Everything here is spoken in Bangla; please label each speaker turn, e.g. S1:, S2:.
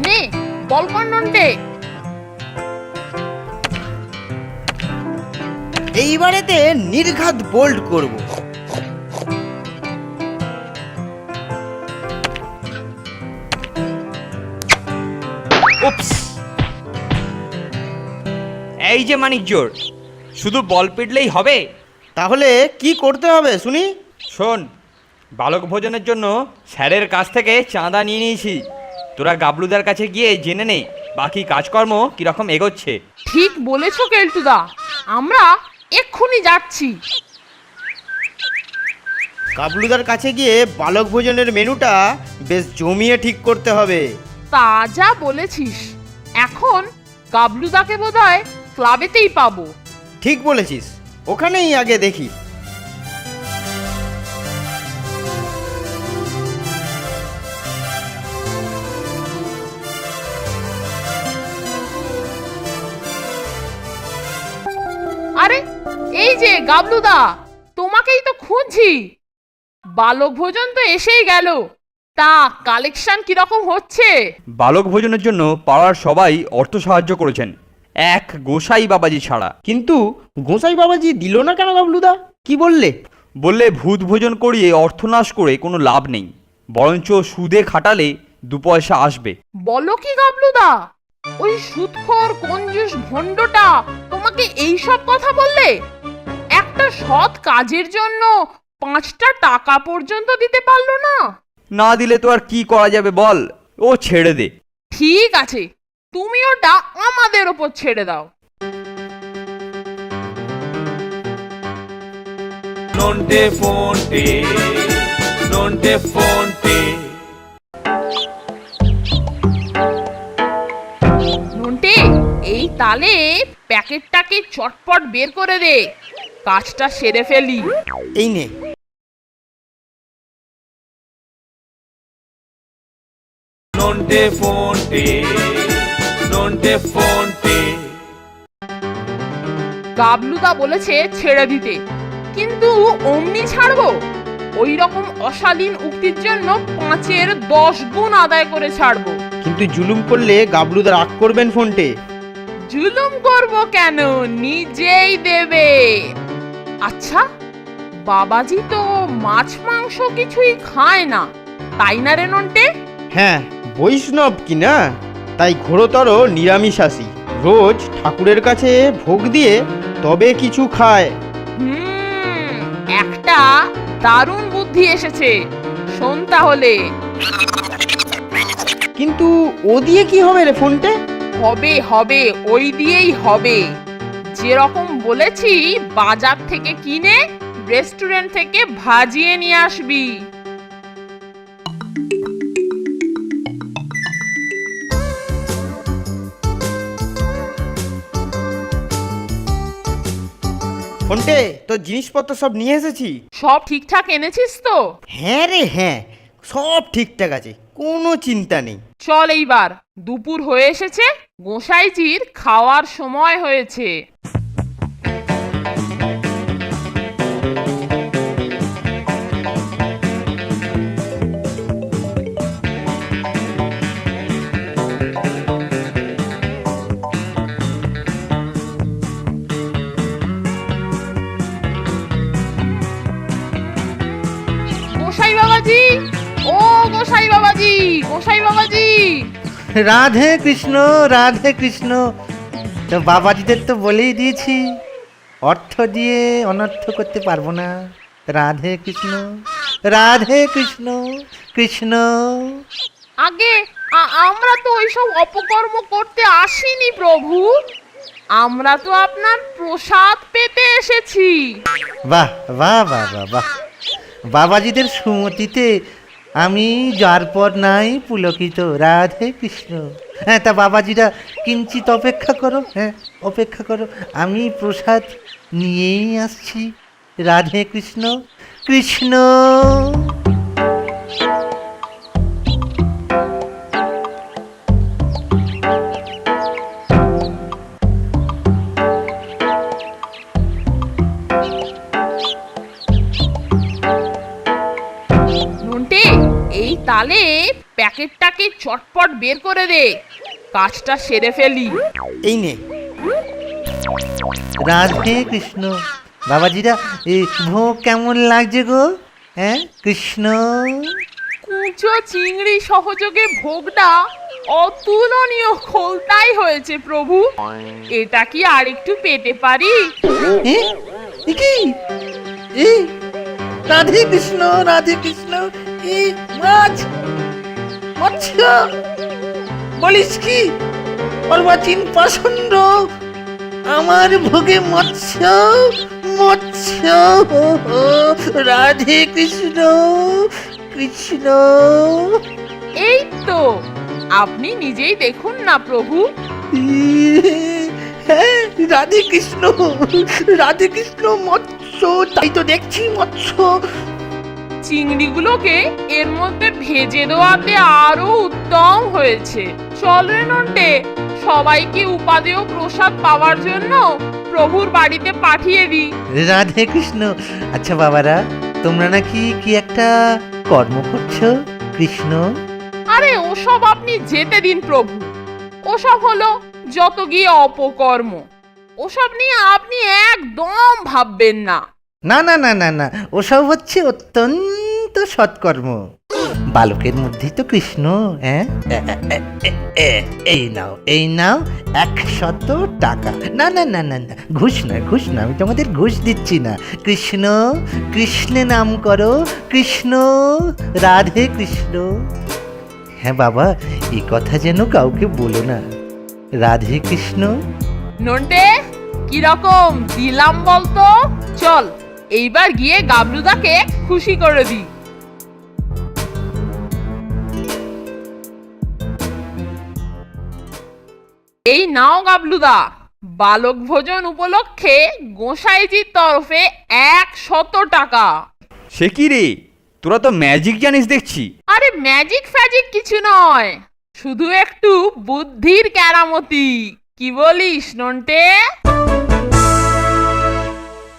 S1: নে বল কর নন্টে।
S2: এইবারেতে নির্ঘাত বোল্ড করব।
S3: উপস, এই যে মানিক জোর, শুধু বল পিটলেই হবে?
S2: তাহলে কি করতে হবে শুনি?
S3: শোন, বালক ভোজনের জন্য স্যারের কাছ থেকে চাঁদা নিয়ে নিয়েছি। তোরা গাবলুদার কাছে গিয়ে জেনে নে বাকি কাজকর্ম কিরকম এগোচ্ছে।
S1: ঠিক বলেছো কেলটুদা, আমরা এক্ষুনি যাচ্ছি।
S2: কাবলুদার কাছে গিয়ে বালক ভোজনের মেনুটা বেশ জমিয়ে ঠিক করতে হবে।
S1: তা যা বলেছিস, এখন গাবলুদাকে বোধহয় ক্লাবেতেই পাবো।
S2: ঠিক বলেছিস, ওখানেই আগে দেখি।
S1: আরে এই যে গাবলুদা, তোমাকেই তো খুঁজছি। বালক ভোজন তো এসেই গেল, তা কালেকশন কিরকম হচ্ছে?
S3: বালক ভোজনের জন্য পাড়ার সবাই অর্থ সাহায্য করেছেন, এক গোসাই বাবাজি ছাড়া।
S2: কিন্তু গোসাই বাবাজি দিল না কেন গাবলুদা? কি বললে?
S3: বললে ভূত ভোজন করিয়ে অর্থনাশ করে কোনো লাভ নেই, বরঞ্চ সুদে খাটালে 2 পয়সা আসবে।
S1: বলো কি গাবলুদা, ওই সুদখোর কঞ্জুস ভণ্ডটা তোমাকে এই সব কথা বললে? একটা সৎ কাজের জন্য 5টা টাকা পর্যন্ত দিতে পারলো না?
S3: না দিলে তো আর কি করা যাবে বল, ও ছেড়ে দে।
S1: ঠিক আছে, তুমি ওটা আমাদের ওপর ছেড়ে দাও।
S4: Nonte fonte, nonte fonte.
S1: Nonte, এই তালে প্যাকেটটাকে চটপট বের করে দে, কাজটা সেরে ফেলি।
S2: এই নে।
S4: Nonte fonte, nonte fonte.
S1: গাবলুদা বলেছে ছেড়ে দিতে, কিন্তু অমনি ছাড়বো? ওই রকম অশালীন উক্তির জন্য 5-এর 10 গুণ আদায় করে ছাড়বো।
S2: কিন্তু জুলুম করলে গাবলুদা রাগ করবেন ফোনটে।
S1: জুলুম করব কেন, নিজেই দেবে। আচ্ছা, বাবাজি তো মাছ মাংস কিছুই খায় না, তাই না রে নন্টে?
S2: হ্যাঁ, বৈষ্ণব কি না, তাই ঘোরতর নিরামিষাশী। রোজ ঠাকুরের কাছে ভোগ দিয়ে তবে কিছু খায়।
S1: একটা দারুণ বুদ্ধি এসেছে, শোন তাহলে।
S2: কিন্তু ও দিয়ে কি হবে রে ফোনটে?
S1: হবে হবে, ওই দিয়েই হবে। যেরকম বলেছি, বাজার থেকে কিনে রেস্টুরেন্ট থেকে ভাজিয়ে নিয়ে আসবি।
S2: ফোনটে, তোর জিনিসপত্র সব নিয়ে এসেছি।
S1: সব ঠিকঠাক এনেছিস তো?
S2: হ্যাঁ রে হ্যাঁ, সব ঠিকঠাক আছে, কোনো চিন্তা নেই।
S1: চল এইবার, দুপুর হয়ে এসেছে, গোসাইজির খাওয়ার সময় হয়েছে। গোসাই বাবাজি, ও গোসাই বাবাজি, গোসাই বাবাজি।
S5: রাধে কৃষ্ণ, রাধে কৃষ্ণ। তো বাবাজিদের তো বলেই দিয়েছি, অর্থ দিয়ে অনর্থ করতে পারবো না। রাধে কৃষ্ণ, রাধে কৃষ্ণ, কৃষ্ণ।
S1: আগে আমরা তো ওইসব অপকর্ম করতে আসিনি প্রভু, আমরা তো আপনার প্রসাদ পেতে এসেছি।
S5: বাহ বাহ বাহ বাহ বাহ, বাবাজিদের সুমতিতে আমি যার পর নাই পুলকিত। রাধে কৃষ্ণ। হ্যাঁ, তা বাবাজিরা কিঞ্চিত অপেক্ষা করো, হ্যাঁ অপেক্ষা করো, আমি প্রসাদ নিয়েই আসছি। রাধে কৃষ্ণ, কৃষ্ণ।
S1: নন্টে, এই তালে প্যাকেটটাকে চটপট বের করে দে, কাজটা সেরে ফেলি।
S2: এই নে।
S5: রাধে কৃষ্ণ। বাবাজিরা এই ভোগ কেমন লাগছে গো? হ্যাঁ কৃষ্ণ।
S1: কুচো চিংড়ি সহযোগে ভোগটা অতুলনীয় খোলতাই হয়েছে প্রভু। এটা কি আর একটু পেতে পারি?
S5: এ? এ কি? এই রাধে কৃষ্ণ, রাধে কৃষ্ণ। এই মাছ, মৎস্য, বলিস কি অর্বাচীন পাষণ্ড, আমার ভোগে মৎস্য, মৎস্য। রাধে কৃষ্ণ, কৃষ্ণ।
S1: এই তো, আপনি নিজেই দেখুন না প্রভু।
S5: হ্যাঁ রাধে কৃষ্ণ, রাধে কৃষ্ণ, মৎস্য। তাই তো দেখছি মৎস্য।
S1: চিংড়িগুলোকে এর মধ্যে ভেজে দেওয়াতে আরো উত্তম হয়েছে। চল রে নন্টে, সবাইকে উপাদেয় প্রসাদ পাওয়ার জন্য প্রভুর বাড়িতে পাঠিয়ে দিই।
S5: রাধে কৃষ্ণ। আচ্ছা বাবারা, তোমরা নাকি কি একটা কর্ম করছো কৃষ্ণ?
S1: আরে ওসব আপনি যেতে দিন প্রভু। ওসব হলো যত গিয়ে অপকর্ম। ওসব নিয়ে আপনি একদম ভাববেন না।
S5: না না না না না, ওসব হচ্ছে অত্যন্ত সৎকর্ম। বালকের মধ্যেই তো কৃষ্ণ। হ্যাঁ এই নাও, এই নাও 100 টাকা। না না না না না, ঘুষ নয়, ঘুষ না, আমি তোমাদের ঘুষ দিচ্ছি না। কৃষ্ণ, কৃষ্ণে নাম করো, কৃষ্ণ, রাধে কৃষ্ণ। হ্যাঁ বাবা, এই কথা যেন কাউকে বলো না। রাধে কৃষ্ণ।
S1: নন্টে, কিরকম দিলাম বলতো? চল এইবার গিয়ে গাবলুদাকে খুশি করে দিই। এই নাও গাবলুদা, বালক ভোজন উপলক্ষে গোসাইজির তরফে 100 টাকা।
S3: সে কি রে, তোরা তো ম্যাজিক জানিস দেখছি।
S1: আরে ম্যাজিক ফ্যাজিক কিছু নয়, শুধু একটু বুদ্ধির কেরামতি। কি বলিস নন্টে?